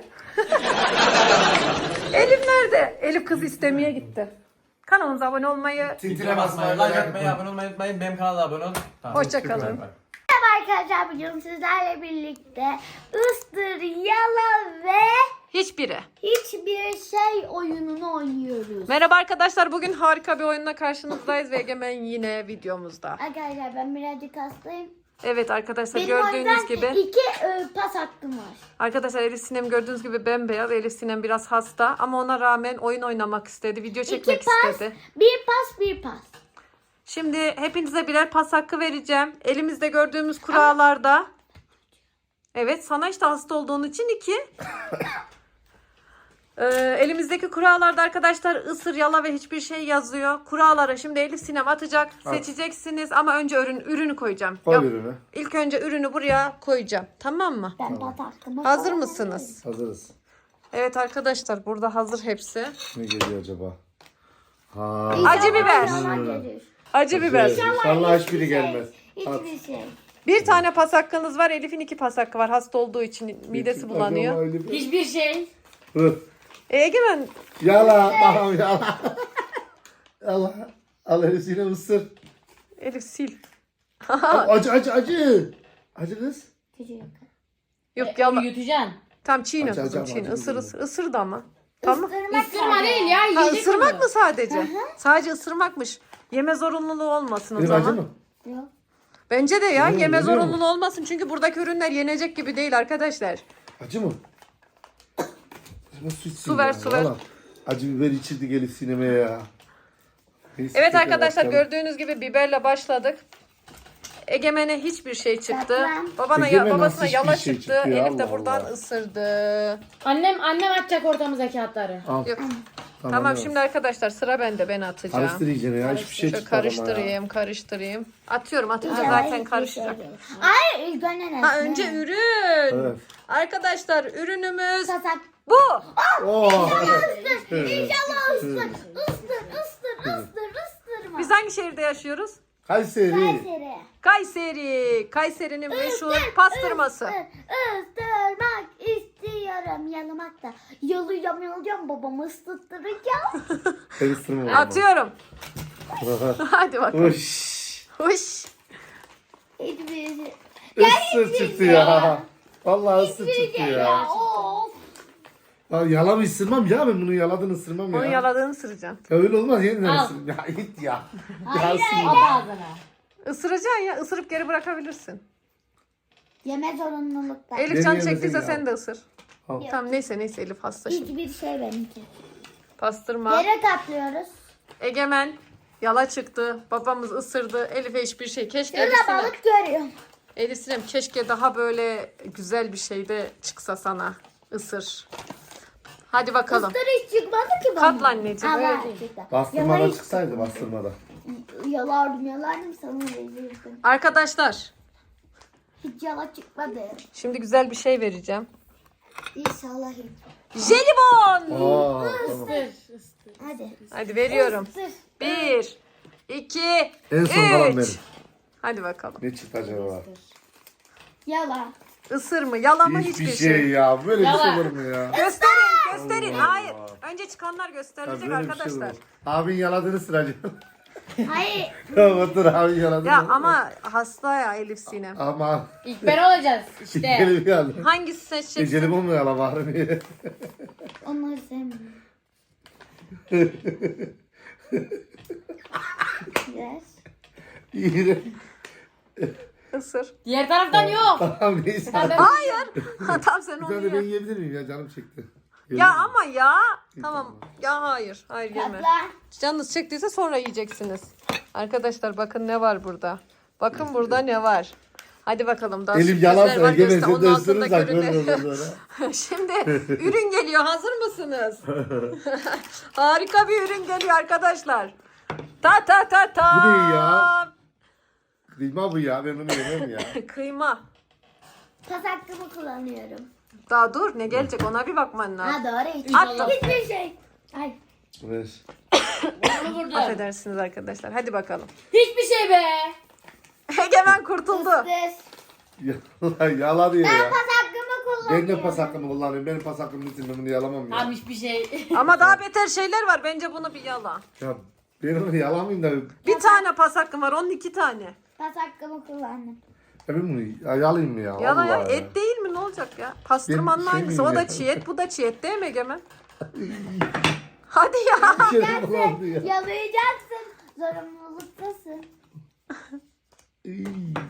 [SPEAKER 1] Elif nerede? Elif kızı istemeye gitti. Kanalımıza abone olmayı.
[SPEAKER 2] Tintine basmayı,
[SPEAKER 3] like atmayı, abone olmayı unutmayın. Benim kanala abone olun. Tamam.
[SPEAKER 1] Hoşça kalın.
[SPEAKER 5] Merhaba arkadaşlar bugün sizlerle birlikte ıstır, yala ve
[SPEAKER 1] Hiçbiri.
[SPEAKER 5] hiçbir şey oyununu oynuyoruz.
[SPEAKER 1] Merhaba arkadaşlar. Bugün harika bir oyunla karşınızdayız ve Egemen yine videomuzda.
[SPEAKER 5] Arkadaşlar ben birazcık hastayım.
[SPEAKER 1] Evet arkadaşlar
[SPEAKER 5] Benim o
[SPEAKER 1] gördüğünüz
[SPEAKER 5] yüzden
[SPEAKER 1] gibi.
[SPEAKER 5] 2 pas hakkım var.
[SPEAKER 1] Arkadaşlar Elif Sinem gördüğünüz gibi bembeyaz. Elif Sinem biraz hasta ama ona rağmen oyun oynamak istedi. Video
[SPEAKER 5] 2
[SPEAKER 1] çekmek
[SPEAKER 5] pas,
[SPEAKER 1] istedi.
[SPEAKER 5] 1 pas, 1 pas.
[SPEAKER 1] Şimdi hepinize birer pas hakkı vereceğim. Elimizde gördüğümüz kurallarda. Evet sana işte hasta olduğun için 2. Elimizdeki kurallarda arkadaşlar ısır, yala ve hiçbir şey yazıyor. Kurallara şimdi Elif Sinem atacak. Seçeceksiniz ama önce ürünü koyacağım.
[SPEAKER 2] Koy
[SPEAKER 1] Yok,
[SPEAKER 2] ürünü.
[SPEAKER 1] İlk önce ürünü buraya koyacağım. Tamam mı?
[SPEAKER 5] Ben pas hakkımı
[SPEAKER 1] Hazır
[SPEAKER 5] kullanıyorum.
[SPEAKER 1] mısınız?
[SPEAKER 2] Hazırız.
[SPEAKER 1] Evet arkadaşlar burada hazır hepsi.
[SPEAKER 2] Ne geliyor acaba? Ha.
[SPEAKER 1] Acı biber.
[SPEAKER 5] Yalan gelir.
[SPEAKER 1] Acı biber.
[SPEAKER 2] İnşallah hiçbiri gelmez. At.
[SPEAKER 5] Hiçbir şey.
[SPEAKER 1] Bir tane pas hakkınız var. Elif'in 2 pas hakkı var. Hasta olduğu için midesi bulanıyor.
[SPEAKER 6] Hiçbir şey.
[SPEAKER 2] Hı.
[SPEAKER 1] Egemen
[SPEAKER 2] Yala. Tamam yala. Yala. Al Elif'sine ısır.
[SPEAKER 1] Elif sil.
[SPEAKER 2] Acı. Acı kız.
[SPEAKER 5] Küçük.
[SPEAKER 1] Yok yala.
[SPEAKER 6] Yutacaksın.
[SPEAKER 1] Tam çiğne
[SPEAKER 2] Acı,
[SPEAKER 1] kızım
[SPEAKER 2] acı,
[SPEAKER 1] çiğne.
[SPEAKER 2] acı,
[SPEAKER 1] Isır
[SPEAKER 2] acı.
[SPEAKER 1] ısır. Isır da ama. Tamam.
[SPEAKER 6] Isırma değil ya.
[SPEAKER 1] Ha,
[SPEAKER 6] Yiyecek
[SPEAKER 1] ısırmak
[SPEAKER 6] onu.
[SPEAKER 1] mı sadece? Sadece ısırmakmış. Yeme zorunluluğu olmasın o
[SPEAKER 2] Elif acı
[SPEAKER 1] zaman.
[SPEAKER 2] mı?
[SPEAKER 5] Yok.
[SPEAKER 1] Bence de ya
[SPEAKER 2] Yok,
[SPEAKER 1] yeme
[SPEAKER 2] biliyor musun?
[SPEAKER 1] zorunluluğu olmasın. Çünkü buradaki ürünler yenecek gibi değil arkadaşlar.
[SPEAKER 2] Acı mı?
[SPEAKER 1] Su ver, su ver.
[SPEAKER 2] Acı biber içirdik Elif sinemeye ya. Neyse,
[SPEAKER 1] Evet
[SPEAKER 2] tekrar
[SPEAKER 1] arkadaşlar
[SPEAKER 2] bakalım.
[SPEAKER 1] gördüğünüz gibi biberle başladık. Egemen'e hiçbir şey çıktı.
[SPEAKER 5] Tatlı.
[SPEAKER 2] Egemen
[SPEAKER 1] Babasına
[SPEAKER 2] nasıl
[SPEAKER 1] yala
[SPEAKER 2] hiçbir şey
[SPEAKER 1] çıktı.
[SPEAKER 2] çıktı ya?
[SPEAKER 1] Elif de
[SPEAKER 2] Allah
[SPEAKER 1] buradan
[SPEAKER 2] Allah.
[SPEAKER 1] ısırdı.
[SPEAKER 6] Annem atacak ortamıza kağıtları.
[SPEAKER 2] Al.
[SPEAKER 1] Yok. Tamam
[SPEAKER 2] evet.
[SPEAKER 1] şimdi arkadaşlar sıra bende, ben atacağım.
[SPEAKER 2] Karıştır iyice ya. Hiçbir şey
[SPEAKER 1] Şöyle
[SPEAKER 2] çıkmadı ama ya.
[SPEAKER 1] karıştırayım. Atıyorum atınca
[SPEAKER 5] İnşallah
[SPEAKER 1] zaten
[SPEAKER 5] hiçbir
[SPEAKER 1] karışacak.
[SPEAKER 5] şey gelir. Hayır ilk önce ne?
[SPEAKER 1] Ha önce ürün.
[SPEAKER 2] Evet.
[SPEAKER 1] Arkadaşlar ürünümüz
[SPEAKER 5] Sasak.
[SPEAKER 1] bu.
[SPEAKER 2] Oo.
[SPEAKER 5] İnşallah ıstır. Isırma.
[SPEAKER 1] Biz hangi şehirde yaşıyoruz?
[SPEAKER 2] Kayseri.
[SPEAKER 5] Kayseri.
[SPEAKER 1] Kayseri. Kayseri'nin meşhur pastırması.
[SPEAKER 5] Isırmak istiyorum. Yalamak da. Yalayacağım babamı ısıttıracağım.
[SPEAKER 2] Ben ısırmam.
[SPEAKER 1] Atıyorum. Hadi bakalım.
[SPEAKER 2] Uş.
[SPEAKER 1] Huş.
[SPEAKER 5] Hiçbir şey.
[SPEAKER 2] Isır çıktı ya. Vallahi ısır çıktı
[SPEAKER 5] Ya
[SPEAKER 2] ya.
[SPEAKER 5] of.
[SPEAKER 2] Ya yalan ısırmam ya, ben bunu yaladığını ısırmam ya.
[SPEAKER 1] Onu yaladığını ısıracaksın.
[SPEAKER 2] Ya öyle olmaz, yeniden
[SPEAKER 6] Al.
[SPEAKER 2] ısırırım. Ya git ya.
[SPEAKER 5] Hayır,
[SPEAKER 2] Ya ısırma.
[SPEAKER 6] At ağzına.
[SPEAKER 1] Isıracaksın ya. Isırıp geri bırakabilirsin.
[SPEAKER 5] Yeme zorunlulukta.
[SPEAKER 1] Elif
[SPEAKER 2] Beni
[SPEAKER 1] can
[SPEAKER 2] yemesin
[SPEAKER 1] çektiyse
[SPEAKER 2] ya.
[SPEAKER 1] sen de ısır.
[SPEAKER 2] Al.
[SPEAKER 1] Tamam neyse Elif hasta şimdi.
[SPEAKER 5] Hiçbir şey benimki.
[SPEAKER 1] Pastırma.
[SPEAKER 5] Yere katlıyoruz.
[SPEAKER 1] Egemen yala çıktı. Babamız ısırdı. Elif'e hiçbir şey. Keşke
[SPEAKER 5] Şurada
[SPEAKER 1] Elif Sinem.
[SPEAKER 5] balık görüyorum.
[SPEAKER 1] Elif Sinem keşke daha böyle güzel bir şey de çıksa sana. Isır. Hadi bakalım.
[SPEAKER 5] Isır hiç çıkmadı ki bana.
[SPEAKER 1] Katla anneciğim,
[SPEAKER 5] Allah
[SPEAKER 1] öyle
[SPEAKER 5] çıktı.
[SPEAKER 2] Bastırmada
[SPEAKER 5] Yalan-
[SPEAKER 2] çıksaydı, bastırmada.
[SPEAKER 5] Yalardım sana verirdim.
[SPEAKER 1] Arkadaşlar
[SPEAKER 5] Hiç yala çıkmadı.
[SPEAKER 1] şimdi güzel bir şey vereceğim.
[SPEAKER 5] İnşallah hiç.
[SPEAKER 1] Jelibon.
[SPEAKER 2] Aa, tamam.
[SPEAKER 5] Hadi.
[SPEAKER 1] Hadi veriyorum.
[SPEAKER 5] Isır.
[SPEAKER 1] 1, 2,
[SPEAKER 2] En son kalan
[SPEAKER 1] 3.
[SPEAKER 2] benim.
[SPEAKER 1] Hadi bakalım.
[SPEAKER 2] Ne çıktı acaba?
[SPEAKER 5] Yala.
[SPEAKER 1] Isır mı? Yala mı?
[SPEAKER 2] Hiçbir
[SPEAKER 1] Hiçbir
[SPEAKER 2] şey ya. Böyle bir şey
[SPEAKER 6] Yalan.
[SPEAKER 2] olur mu ya?
[SPEAKER 1] Gösterin.
[SPEAKER 2] Allah
[SPEAKER 1] Hayır.
[SPEAKER 2] Allah.
[SPEAKER 1] Önce çıkanlar
[SPEAKER 2] Ya
[SPEAKER 1] gösterilecek
[SPEAKER 2] böyle bir şey
[SPEAKER 1] arkadaşlar.
[SPEAKER 2] olur. Abin yaladığını sıracağım.
[SPEAKER 5] Hayır.
[SPEAKER 2] Otur abin yaladığını.
[SPEAKER 1] Ya ama hasta ya Elif Sinem.
[SPEAKER 2] Ama.
[SPEAKER 6] İlk ben olacağız işte.
[SPEAKER 2] Gelip geldi.
[SPEAKER 1] Hangisi seçeceksin?
[SPEAKER 2] Jelibon mu yala bari?
[SPEAKER 5] Onları sevmiyorum. Yes.
[SPEAKER 2] İyi.
[SPEAKER 1] Isır.
[SPEAKER 6] Diğer taraftan yok.
[SPEAKER 2] Tamam neyse.
[SPEAKER 1] Hayır. Tamam sen
[SPEAKER 2] Bir
[SPEAKER 1] onu
[SPEAKER 2] tane de ben
[SPEAKER 1] ye.
[SPEAKER 2] yiyebilir miyim ya? Canım çekti.
[SPEAKER 1] Ya ama ya. Tamam. Ya hayır. Hayır yeme.
[SPEAKER 5] Katla.
[SPEAKER 1] Canınız çektiyse sonra yiyeceksiniz. Arkadaşlar bakın ne var burada. Bakın burada ne var. Hadi bakalım daha
[SPEAKER 2] Elim
[SPEAKER 1] sürprizler
[SPEAKER 2] yalan
[SPEAKER 1] var.
[SPEAKER 2] söyle.
[SPEAKER 1] Göster.
[SPEAKER 2] Gemesi
[SPEAKER 1] Onun
[SPEAKER 2] de
[SPEAKER 1] altındaki
[SPEAKER 2] ısırırsak
[SPEAKER 1] ürünler.
[SPEAKER 2] görürüz sonra.
[SPEAKER 1] Şimdi ürün geliyor. Hazır mısınız? Harika bir ürün geliyor arkadaşlar. Ta ta ta ta.
[SPEAKER 2] Bu ne ya? Kıyma bu ya. Ben onu yemem ya.
[SPEAKER 1] Kıyma.
[SPEAKER 5] Pas hakkımı kullanıyorum.
[SPEAKER 1] Daha dur ne gelecek ona bir bakman lazım.
[SPEAKER 5] Ha doğru. Hiç,
[SPEAKER 1] Attım.
[SPEAKER 5] hiçbir şey. Ay.
[SPEAKER 2] Ver.
[SPEAKER 6] Bunu vurdum.
[SPEAKER 1] Affedersiniz arkadaşlar. Hadi bakalım.
[SPEAKER 6] Hiçbir şey be.
[SPEAKER 1] Egemen kurtuldu.
[SPEAKER 5] Isır.
[SPEAKER 2] Yala diyor
[SPEAKER 5] Ben
[SPEAKER 2] ya.
[SPEAKER 5] pas hakkımı kullanıyorum.
[SPEAKER 2] Ben de pas hakkımı kullanıyorum. Benim pas hakkımın için ben bunu yalamam ya.
[SPEAKER 6] Tamam hiçbir şey.
[SPEAKER 1] Ama daha beter şeyler var. Bence bunu bir yala.
[SPEAKER 2] Ya ben onu yalamayayım da. Ya
[SPEAKER 1] Bir tane pas hakkım var. Onun 2 tane.
[SPEAKER 5] Pas hakkımı kullandım.
[SPEAKER 2] ben bunu yalayayım mı ya?
[SPEAKER 1] Yala ya.
[SPEAKER 2] Vallahi
[SPEAKER 1] Et değil mi? Ne olacak ya? Pastırmanın
[SPEAKER 2] Ben şey
[SPEAKER 1] aynısı. O
[SPEAKER 2] miyim
[SPEAKER 1] da
[SPEAKER 2] ya?
[SPEAKER 1] çiğ et. Bu da çiğ et değil mi Egemen? Hadi ya.
[SPEAKER 2] Bir şey bulandı ya.
[SPEAKER 5] Yalayacaksın. Zorunluluktasın.
[SPEAKER 2] İy.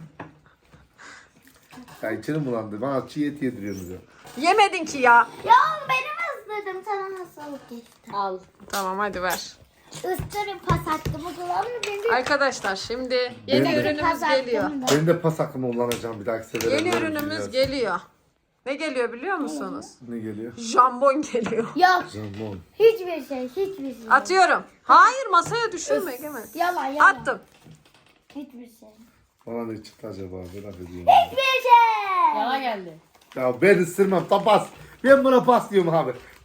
[SPEAKER 2] Ya içerim bulandı. Bana çiğ et yediriyorsunuz ya.
[SPEAKER 1] Yemedin ki ya.
[SPEAKER 5] Ya benim ısırdım. Sana hastalık geçti.
[SPEAKER 6] Al.
[SPEAKER 1] Tamam hadi ver.
[SPEAKER 5] Isırın pas hakkımı kullandım. Benim
[SPEAKER 1] Arkadaşlar şimdi yeni
[SPEAKER 2] Ben de-
[SPEAKER 1] ürünümüz
[SPEAKER 5] pas
[SPEAKER 1] geliyor.
[SPEAKER 5] hakkım da.
[SPEAKER 2] Ben de pas hakkımı kullanacağım bir dahaki sefere.
[SPEAKER 1] Yeni
[SPEAKER 2] Böyle
[SPEAKER 1] ürünümüz
[SPEAKER 2] düşünüyoruz.
[SPEAKER 1] geliyor. Ne geliyor biliyor musunuz?
[SPEAKER 2] Ne geliyor?
[SPEAKER 1] Jambon geliyor.
[SPEAKER 5] Yok.
[SPEAKER 2] Jambon.
[SPEAKER 5] Hiçbir şey. Hiçbir şey.
[SPEAKER 1] Atıyorum. Hayır masaya düşürme Egemen.
[SPEAKER 5] Yalan yalan.
[SPEAKER 1] Attım.
[SPEAKER 5] Hiçbir şey.
[SPEAKER 2] Bana ne çıktı acaba? Merak ediyorum.
[SPEAKER 5] Hiçbir şey.
[SPEAKER 6] Yala geldi.
[SPEAKER 2] Ya ben ısırmam. Tam pas. Ben buna pas diyorum abi.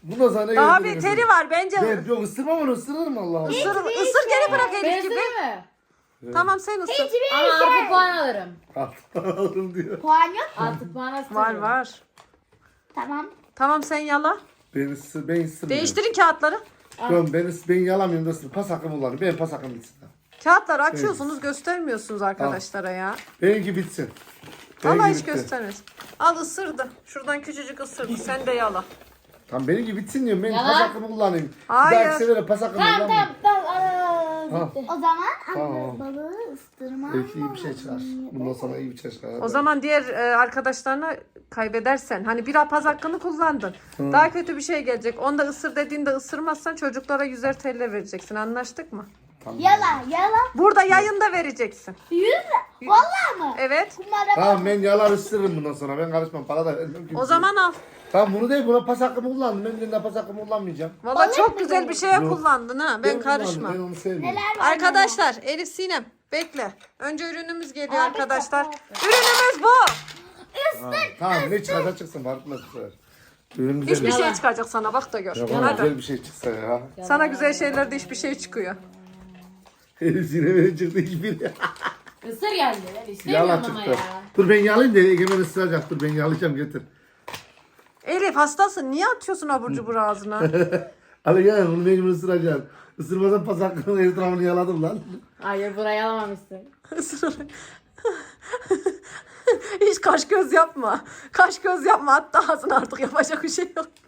[SPEAKER 2] Bundan sonra ne
[SPEAKER 1] Daha
[SPEAKER 2] gördün?
[SPEAKER 1] beteri var bence.
[SPEAKER 2] Ben yok ısırmam onu ısırırım Allah Allah.
[SPEAKER 1] Isır geri bırak
[SPEAKER 6] Ben
[SPEAKER 1] Elif gibi.
[SPEAKER 6] mi?
[SPEAKER 1] Tamam sen ısır.
[SPEAKER 6] Ama artı puan alırım.
[SPEAKER 2] Aldım diyor.
[SPEAKER 5] Puan yok.
[SPEAKER 6] Artı puan alırım.
[SPEAKER 1] Var.
[SPEAKER 5] Tamam.
[SPEAKER 1] Tamam sen yala.
[SPEAKER 2] Ben ısırmıyorum.
[SPEAKER 1] Değiştirin kağıtları.
[SPEAKER 2] Yok ben yalamıyorum da ısır. Pas hakkım kullanıyorum. Benim pas hakkım bitsin.
[SPEAKER 1] Kağıtları açıyorsunuz göstermiyorsunuz arkadaşlara ya.
[SPEAKER 2] Benimki bitsin.
[SPEAKER 1] Vallahi
[SPEAKER 2] Benimki
[SPEAKER 1] hiç
[SPEAKER 2] bitti.
[SPEAKER 1] göstermez. Al ısırdı. Şuradan küçücük ısırdı. Sen de yala.
[SPEAKER 2] Tamam benimki bitsin diyorum. Ben
[SPEAKER 6] Yalan.
[SPEAKER 2] pas hakkımı kullanayım.
[SPEAKER 1] Hayır.
[SPEAKER 2] Bir dahaki sefere pas hakkımı kullanmayayım.
[SPEAKER 6] Tamam.
[SPEAKER 2] Ha.
[SPEAKER 5] O zaman
[SPEAKER 2] Tamam.
[SPEAKER 5] balığı ıstırma.
[SPEAKER 2] Belki iyi bir şey çıkar. Bundan sonra iyi bir şey çıkar.
[SPEAKER 1] O zaman diğer arkadaşlarına kaybedersen hani bir pas hakkını kullandın. Daha kötü bir şey gelecek. Onda ısır dediğinde ısırmazsan çocuklara 100'er TL vereceksin. Anlaştık mı?
[SPEAKER 5] Yala.
[SPEAKER 1] Burada yayında vereceksin.
[SPEAKER 5] 100 lira. Vallahi mı?
[SPEAKER 1] Evet.
[SPEAKER 5] Kumara
[SPEAKER 2] Tamam ben yalar ısırırım bundan sonra. Ben karışmam. Para da vermem.
[SPEAKER 1] O zaman al.
[SPEAKER 2] Tamam bunu değil. Buna pas hakkımı kullandım. Ben birinde pas hakkımı kullanmayacağım.
[SPEAKER 1] Valla çok güzel bir şeye
[SPEAKER 2] Yok.
[SPEAKER 1] kullandın ha. Ben karışmam.
[SPEAKER 2] kullandım, Ben onu sevmiyorum.
[SPEAKER 5] neler var?
[SPEAKER 1] Arkadaşlar Elif Sinem bekle. Önce ürünümüz geliyor arkadaşlar. Ürünümüz bu.
[SPEAKER 2] Tamam ne çıkarsa çıksın. Fark etmez bu sefer. Ürün güzel.
[SPEAKER 1] Hiçbir şey çıkacak sana bak da gör.
[SPEAKER 2] Ya bana
[SPEAKER 1] Hadi.
[SPEAKER 2] güzel bir şey çıksa ya.
[SPEAKER 1] Sana güzel şeylerde hiçbir şey çıkıyor.
[SPEAKER 2] Elif sinemeye çıktı hiçbiri.
[SPEAKER 6] Isır geldi.
[SPEAKER 2] Yala
[SPEAKER 6] İstemiyorum ama
[SPEAKER 2] çıktı.
[SPEAKER 6] ya.
[SPEAKER 2] Dur ben yalayayım da Egemen ısıracak. Dur ben yalayacağım getir.
[SPEAKER 1] Elif hastasın. Niye atıyorsun abur cubur ağzına?
[SPEAKER 2] Hadi gel bunu mecbur ısıracaksın. Isırmadan pas hakkının etrafını yaladım lan.
[SPEAKER 6] Hayır burayı alamamışsın.
[SPEAKER 1] Hiç kaş göz yapma. Kaş göz yapma. Hatta ağzına artık yapacak bir şey yok.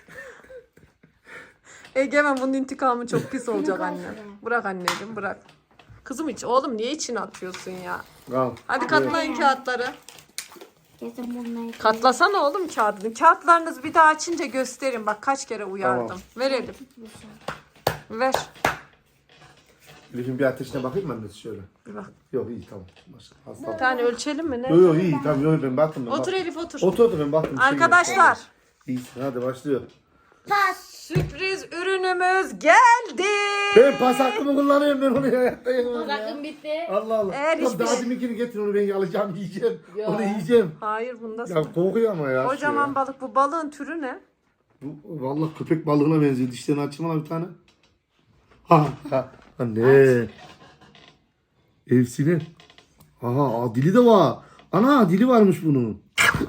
[SPEAKER 1] Egemen bunun intikamı çok pis olacak anne. Bırak anneciğim bırak. Kızım hiç oğlum niye içine atıyorsun ya?
[SPEAKER 2] Al.
[SPEAKER 1] Hadi katlayın kağıtları.
[SPEAKER 5] Kesin bunları.
[SPEAKER 1] Katlasana oğlum kağıdını. Kağıtlarınızı bir daha açınca gösterin. Bak kaç kere uyardım.
[SPEAKER 2] Tamam.
[SPEAKER 1] Ver Elif. Ver.
[SPEAKER 2] Elif'in bir ateşine bakayım mı annesi şöyle?
[SPEAKER 1] Bir bak.
[SPEAKER 2] Yok iyi tamam. Hasta.
[SPEAKER 1] Bir tane ölçelim mi ne?
[SPEAKER 2] Yok yok iyi tamam yok ben baktım. Ben
[SPEAKER 1] Otur
[SPEAKER 2] baktım.
[SPEAKER 1] Elif otur.
[SPEAKER 2] Otur ben baktım. bir şey yok.
[SPEAKER 1] Arkadaşlar
[SPEAKER 2] İyisin hadi başlıyor.
[SPEAKER 5] Pas.
[SPEAKER 1] sürpriz ürünümüz geldi.
[SPEAKER 2] Ben pas hakkımı kullanıyorum ben onu hayatta yemem ya.
[SPEAKER 6] Sakın bitti.
[SPEAKER 2] Allah Allah.
[SPEAKER 1] Eğer
[SPEAKER 2] Tamam,
[SPEAKER 1] hiçbir
[SPEAKER 2] daha
[SPEAKER 1] şey-
[SPEAKER 2] deminkini getir onu ben yalayacağım yiyeceğim.
[SPEAKER 6] Ya.
[SPEAKER 2] Onu yiyeceğim.
[SPEAKER 1] Hayır bunda
[SPEAKER 2] Ya kokuyor ama ya.
[SPEAKER 1] kocaman
[SPEAKER 2] şu ya.
[SPEAKER 1] balık. Bu balığın türü ne?
[SPEAKER 2] Bu vallahi köpek balığına benziyor. Dişlerini açayım lan bir tane. Ha. Anne. Evsinin. Aha dili de var. Ana dili varmış bunun.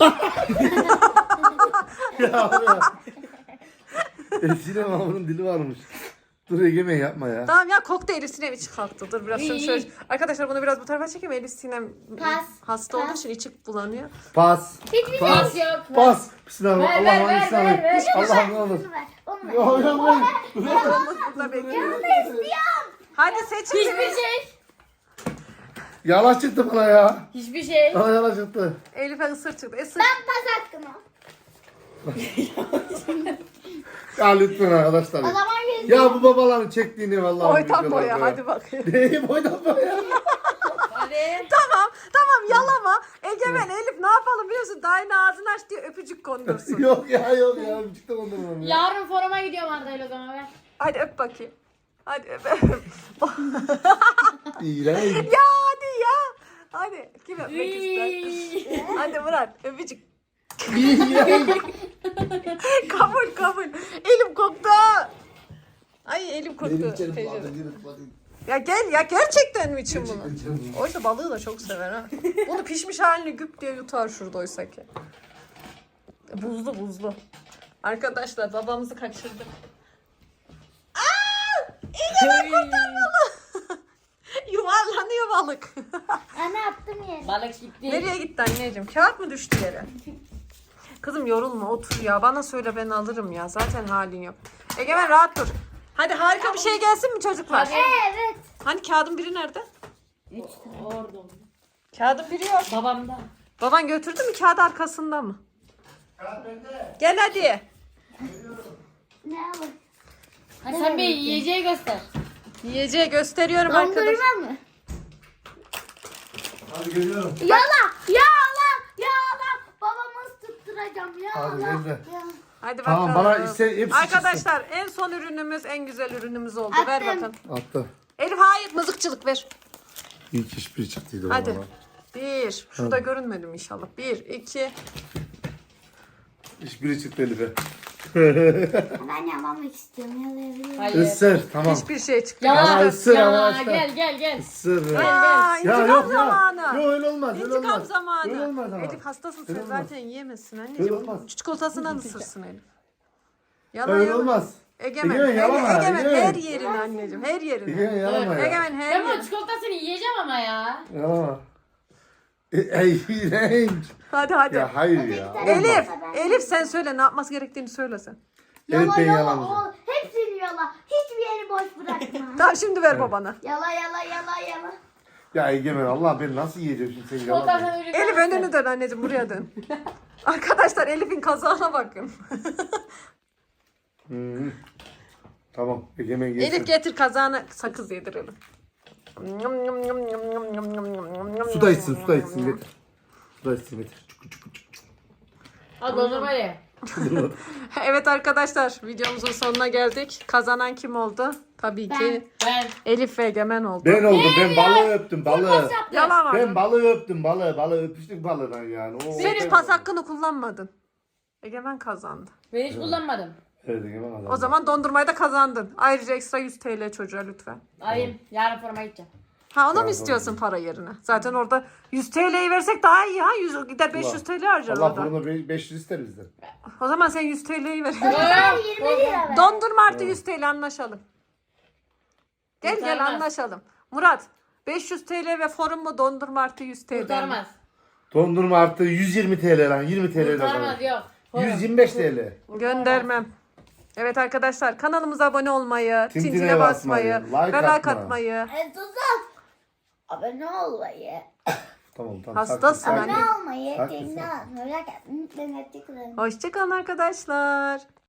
[SPEAKER 2] ya abi ya. Evsinin ama bunun dili varmış. Dur Egemen yapma ya.
[SPEAKER 1] Tamam ya koktu Elif Sinem içi kalktı. Dur biraz şunu şöyle. Arkadaşlar bunu biraz bu tarafa çekeyim. Elif Sinem
[SPEAKER 5] Pas.
[SPEAKER 1] hasta olduğu için içi bulanıyor.
[SPEAKER 2] Pas.
[SPEAKER 5] Hiçbir
[SPEAKER 2] Pas.
[SPEAKER 6] Yok.
[SPEAKER 2] Pas. Bismillah.
[SPEAKER 6] Ver,
[SPEAKER 2] Allah
[SPEAKER 6] ver,
[SPEAKER 2] hangisini
[SPEAKER 6] ver,
[SPEAKER 2] alayım?
[SPEAKER 6] ver,
[SPEAKER 2] Allah ne olur.
[SPEAKER 5] Onu ver. Onu ver.
[SPEAKER 2] Yok yok ben.
[SPEAKER 1] Oğlumuz burada bekliyor. Hadi seçin.
[SPEAKER 6] Hiçbir şey.
[SPEAKER 2] Yalan çıktı bana ya.
[SPEAKER 6] Hiçbir şey.
[SPEAKER 2] Bana yalan çıktı.
[SPEAKER 1] Elif'e ısır çıktı. Isır.
[SPEAKER 5] Ben pas hakkımı.
[SPEAKER 2] Ya lütfen arkadaşlar.
[SPEAKER 5] O zaman yüz.
[SPEAKER 2] Ya bu babaların çektiğini vallahi.
[SPEAKER 1] Boydan
[SPEAKER 2] biliyorlar
[SPEAKER 1] boya
[SPEAKER 2] ya.
[SPEAKER 1] hadi bakayım.
[SPEAKER 2] Neyi boydan boya?
[SPEAKER 6] Hadi.
[SPEAKER 1] Tamam yalama. Egemen Elif ne yapalım biliyorsun? Daha yine ağzını aç diye öpücük kondursun.
[SPEAKER 2] yok ya. Bir çıktı ondan ya.
[SPEAKER 6] Yarın foruma gidiyorum Arda'yla o zaman ver.
[SPEAKER 1] Hadi öp bakayım. Hadi öp.
[SPEAKER 2] İğrenç.
[SPEAKER 1] Ya hadi ya. Hadi kim öpmek ister? Hadi Murat öpücük. kabul. Elim koktu. Ay elim koktu. Ya gel ya gerçekten mi için bunu? Oysa balığı da çok sever ha. Bunu pişmiş halini güp diye yutar şurada oysa ki. Buzlu. Arkadaşlar babamızı kaçırdık. Yuvarlanıyor balık.
[SPEAKER 5] Ana attım yere.
[SPEAKER 6] Balık gitti.
[SPEAKER 1] Nereye gitti anneciğim? Kağıt mı düştü yere? Kızım yorulma otur ya. Bana söyle ben alırım ya. Zaten halin yok. Egemen rahat dur. Hadi harika bir şey gelsin mi çocuklar?
[SPEAKER 5] Evet.
[SPEAKER 1] Hani kağıdın biri nerede?
[SPEAKER 6] Orada.
[SPEAKER 1] Kağıdın biri yok.
[SPEAKER 6] Babamda.
[SPEAKER 1] Baban götürdü mü kağıdı arkasında mı? Gel hadi.
[SPEAKER 5] Ne alır?
[SPEAKER 6] Hadi sen bir yiyeceği göster.
[SPEAKER 1] Yiyeceği gösteriyorum arkadaşlar.
[SPEAKER 5] Dondurma mı?
[SPEAKER 2] Hadi geliyorum.
[SPEAKER 5] Yala. Babamı tutturacağım.
[SPEAKER 2] Hadi
[SPEAKER 5] Yala.
[SPEAKER 2] gel.
[SPEAKER 1] Hadi bakalım.
[SPEAKER 2] Tamam bana hepsi
[SPEAKER 1] Arkadaşlar en son ürünümüz en güzel ürünümüz oldu. Ver
[SPEAKER 5] Attım.
[SPEAKER 1] bakalım.
[SPEAKER 2] çıksın. Attı.
[SPEAKER 1] Elif hayır mızıkçılık ver.
[SPEAKER 2] İlk hiçbiri çıktıydı
[SPEAKER 1] Hadi.
[SPEAKER 2] valla.
[SPEAKER 1] Bir. Şurada görünmedim inşallah. Bir, iki.
[SPEAKER 2] Hiçbiri çıktı Elif'e.
[SPEAKER 5] Ben yalamak istiyorum. Yalayabilirim.
[SPEAKER 6] Hayır.
[SPEAKER 2] Isır tamam.
[SPEAKER 1] Hiçbir şey çıktı.
[SPEAKER 6] Yala.
[SPEAKER 2] Ama ısır
[SPEAKER 6] Yala.
[SPEAKER 2] arkadaşlar.
[SPEAKER 6] Gel.
[SPEAKER 2] Isır.
[SPEAKER 1] Aa,
[SPEAKER 2] Ya
[SPEAKER 1] intikam
[SPEAKER 2] yok
[SPEAKER 1] zamanı.
[SPEAKER 2] ya. Yok öyle olmaz. Öyle
[SPEAKER 1] İntikam
[SPEAKER 2] olmaz.
[SPEAKER 1] zamanı.
[SPEAKER 2] Öyle olmaz ama.
[SPEAKER 1] Elif hastasın sen
[SPEAKER 2] Öyle olmaz.
[SPEAKER 1] zaten yiyemezsin
[SPEAKER 2] Öyle
[SPEAKER 1] anneciğim.
[SPEAKER 2] olmaz.
[SPEAKER 1] Çikolatasından ısırsın Elif. Yala,
[SPEAKER 2] Öyle
[SPEAKER 1] yala.
[SPEAKER 2] olmaz.
[SPEAKER 1] Egemen,
[SPEAKER 2] Egemen, yalama,
[SPEAKER 1] Egemen
[SPEAKER 2] Egemen.
[SPEAKER 1] her yerini anneciğim, her yerini.
[SPEAKER 2] Egemen yalama ya.
[SPEAKER 1] Egemen her
[SPEAKER 6] Ben bu
[SPEAKER 1] yerini.
[SPEAKER 6] çikolatasını yiyeceğim ama ya.
[SPEAKER 2] Yalama. Ey iğrenç.
[SPEAKER 1] Hadi hadi.
[SPEAKER 2] Ya hayır ya. olmaz.
[SPEAKER 1] Elif sen söyle ne yapması gerektiğini söyle sen.
[SPEAKER 2] Evet, ben
[SPEAKER 5] Yala
[SPEAKER 2] yalamayacağım.
[SPEAKER 5] o. Hepsini yala. Hiçbir yeri boş bırakma.
[SPEAKER 1] Tamam şimdi ver babana.
[SPEAKER 5] Yala.
[SPEAKER 2] Ya Egemen Allah beni nasıl yiyeceğim şimdi seni yalamayayım.
[SPEAKER 6] Çikolatasını öyle
[SPEAKER 1] Elif önünü dön anneciğim buraya dön. Arkadaşlar Elif'in kazağına bakın.
[SPEAKER 2] Tamam Egemen yesin.
[SPEAKER 1] Elif getir kazağına sakız yedirelim.
[SPEAKER 2] Su da içsin getir. Su da içsin getir.
[SPEAKER 6] Al dondurma ye.
[SPEAKER 1] Evet arkadaşlar videomuzun sonuna geldik. Kazanan kim oldu? Tabii ki
[SPEAKER 6] Ben.
[SPEAKER 1] Elif ve Egemen oldu.
[SPEAKER 2] Ben oldum ben balığı öptüm balığı.
[SPEAKER 1] Yalan
[SPEAKER 2] Ben
[SPEAKER 1] var.
[SPEAKER 2] balığı öptüm balığı öpüştük balığından yani.
[SPEAKER 1] Sen hiç pas hakkını kullanmadın. Egemen kazandı.
[SPEAKER 6] Ben hiç kullanmadım.
[SPEAKER 2] Evet Egemen adam.
[SPEAKER 1] O zaman dondurmayı da kazandın. Ayrıca ekstra 100 TL çocuğa lütfen.
[SPEAKER 6] Alayım. Yarın forma gideceğim.
[SPEAKER 1] Ha ona mı istiyorsun para yerine? Zaten orada 100 TL'yi versek daha iyi ya. 100 gider 500 TL harcar
[SPEAKER 2] Allah
[SPEAKER 1] orada.
[SPEAKER 2] fırında 500 ister bizden.
[SPEAKER 1] O zaman sen 100 TL'yi ver.
[SPEAKER 5] Ben 20 lira ver.
[SPEAKER 1] Dondurma artı 100 TL anlaşalım. Gel
[SPEAKER 6] Kurtarmaz.
[SPEAKER 1] anlaşalım. Murat 500 TL ve forum mu dondurma artı 100 TL mi?
[SPEAKER 6] Kurtarmaz.
[SPEAKER 2] Dondurma artı 120 TL lan 20 TL
[SPEAKER 6] Kurtarmaz
[SPEAKER 2] lan.
[SPEAKER 6] yok. Forum.
[SPEAKER 2] 125 TL.
[SPEAKER 1] Göndermem. Evet arkadaşlar kanalımıza abone olmayı,
[SPEAKER 2] Tintine
[SPEAKER 1] tintine basmayı,
[SPEAKER 2] basmayı,
[SPEAKER 1] ve
[SPEAKER 2] like
[SPEAKER 1] like
[SPEAKER 2] atma.
[SPEAKER 1] atmayı.
[SPEAKER 5] Tuzak. Abone olmayı.
[SPEAKER 2] Tamam.
[SPEAKER 1] Hastasın
[SPEAKER 2] sakin,
[SPEAKER 1] anne.
[SPEAKER 2] sakin.
[SPEAKER 5] Abone olmayı.
[SPEAKER 2] Haklısın.
[SPEAKER 5] Merak etmeyin.
[SPEAKER 1] Hoşçakalın arkadaşlar.